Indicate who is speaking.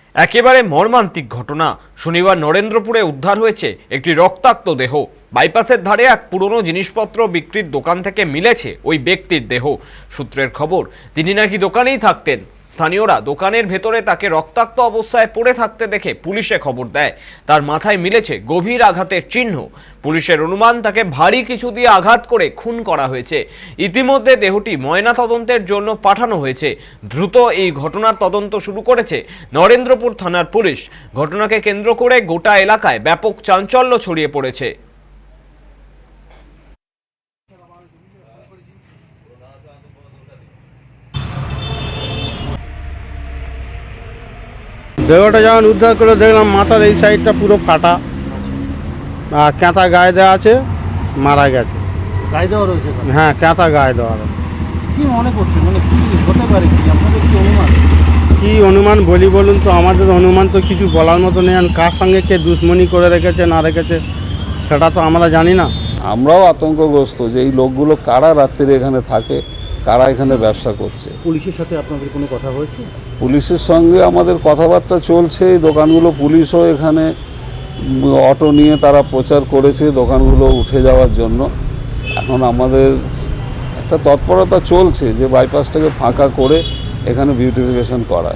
Speaker 1: একেবারে মর্মান্তিক ঘটনা। শনিবার নরেন্দ্রপুরে উদ্ধার হয়েছে একটি রক্তাক্ত দেহ। বাইপাসের ধারে এক পুরনো জিনিসপত্র বিক্রির দোকান থেকে মিলেছে ওই ব্যক্তির দেহ। সূত্রের খবর, তিনি নাকি দোকানেই থাকতেন। স্থানীয়রা দোকানের ভেতরে তাকে রক্তাক্ত অবস্থায় পড়ে থাকতে দেখে পুলিশে খবর দেয়। তার মাথায় মিলেছে গভীর আঘাতের চিহ্ন। পুলিশের অনুমান তাকে ভারী কিছু দিয়ে আঘাত করে খুন করা হয়েছে। ইতিমধ্যে দেহটি ময়নাতদন্তের জন্য পাঠানো হয়েছে। দ্রুত এই ঘটনার তদন্ত শুরু করেছে নরেন্দ্রপুর থানার পুলিশ। ঘটনাকে কেন্দ্র করে গোটা এলাকায় ব্যাপক চাঞ্চল্য ছড়িয়ে পড়েছে।
Speaker 2: দেহটা যখন উদ্ধার করে দেখলাম মাথার এই সাইডটা পুরো ফাটা আর কাঁথা গায়ে দেওয়া আছে, মারা গেছে।
Speaker 3: গায়ে দেওয়া রয়েছে এখানে?
Speaker 2: হ্যাঁ, কাঁথা গায়ে দেওয়া আছে।
Speaker 3: কি মনে করছেন, মানে কি হতে পারে, কি আপনাদের কি অনুমান?
Speaker 2: কী অনুমান বলি বলুন তো? আমাদের অনুমান তো কিছু বলার মতো নেই। আর কার সঙ্গে কে দুশ্মনী করে রেখেছে না রেখেছে সেটা তো আমরা জানি না।
Speaker 4: আমরাও আতঙ্কগ্রস্ত যে এই লোকগুলো কারা রাত্রিরে এখানে থাকে, কারা এখানে ব্যবসা করছে।
Speaker 3: পুলিশের সাথে আপনাদের কোনো কথা হয়েছে?
Speaker 4: পুলিশের সঙ্গে আমাদের কথাবার্তা চলছে। এই দোকানগুলো পুলিশও এখানে অটো নিয়ে তারা প্রচার করেছে দোকানগুলো উঠে যাওয়ার জন্য। এখন আমাদের একটা তৎপরতা চলছে যে বাইপাসটাকে ফাঁকা করে এখানে বিউটিফিকেশন করা।